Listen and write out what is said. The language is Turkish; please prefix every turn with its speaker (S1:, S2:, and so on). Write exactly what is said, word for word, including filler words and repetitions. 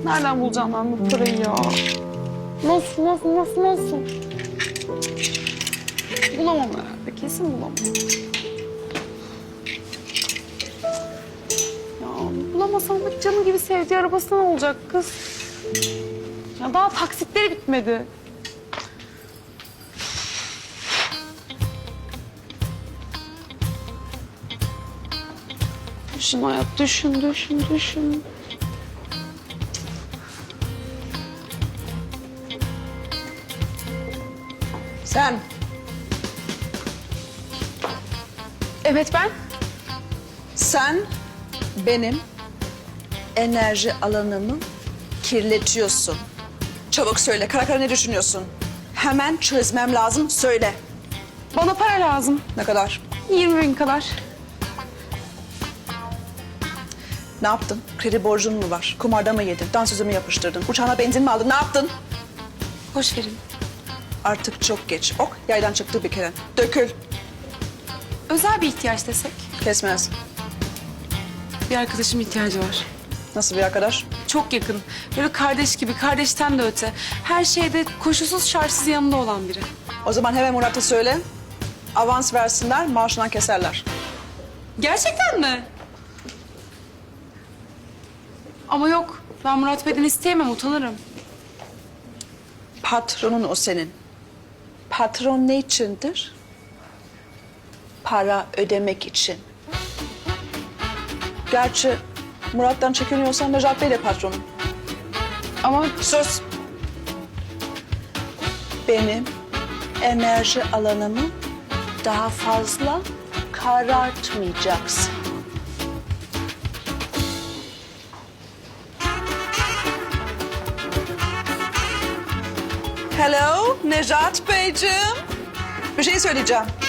S1: Nereden bulacağım ben bu parayı ya? Nasıl, nasıl, nasıl, nasıl? Bulamam herhalde, kesin bulamam. Ya bulamasam da canım gibi sevdiği arabası ne olacak kız? Ya daha taksitleri bitmedi. Düşün hayat, düşün, düşün, düşün.
S2: Sen
S1: Evet ben.
S2: Sen benim enerji alanımı kirletiyorsun. Çabuk söyle, kara kara ne düşünüyorsun? Hemen çözmem lazım, söyle.
S1: Bana para lazım.
S2: Ne kadar?
S1: yirmi bin kadar.
S2: Ne yaptın? Kredi borcun mu var? Kumarda mı yedin? Dansöze mi yapıştırdın? Uçağına benzin mi aldın? Ne yaptın?
S1: Hoş verin.
S2: Artık çok geç. Ok, yaydan çıktı bir kere. Dökül.
S1: Özel bir ihtiyaç desek.
S2: Kesmez.
S1: Bir arkadaşım ihtiyacı var.
S2: Nasıl bir arkadaş?
S1: Çok yakın. Böyle kardeş gibi, kardeşten de öte. Her şeyde koşulsuz şartsız yanında olan biri.
S2: O zaman hemen Murat'a söyle. Avans versinler, maaşından keserler.
S1: Gerçekten mi? Ama yok. Ben Murat Bey'den isteyemem, utanırım.
S2: Patronun o senin. Patron ne içindir? Para ödemek için. Gerçi Murat'tan çekiniyorsan Necat Bey de patronun.
S1: Ama
S2: Sus! Benim enerji alanımı daha fazla karartmayacaksın. Hello, Necat Beyciğim. Bir şey söyleyeceğim.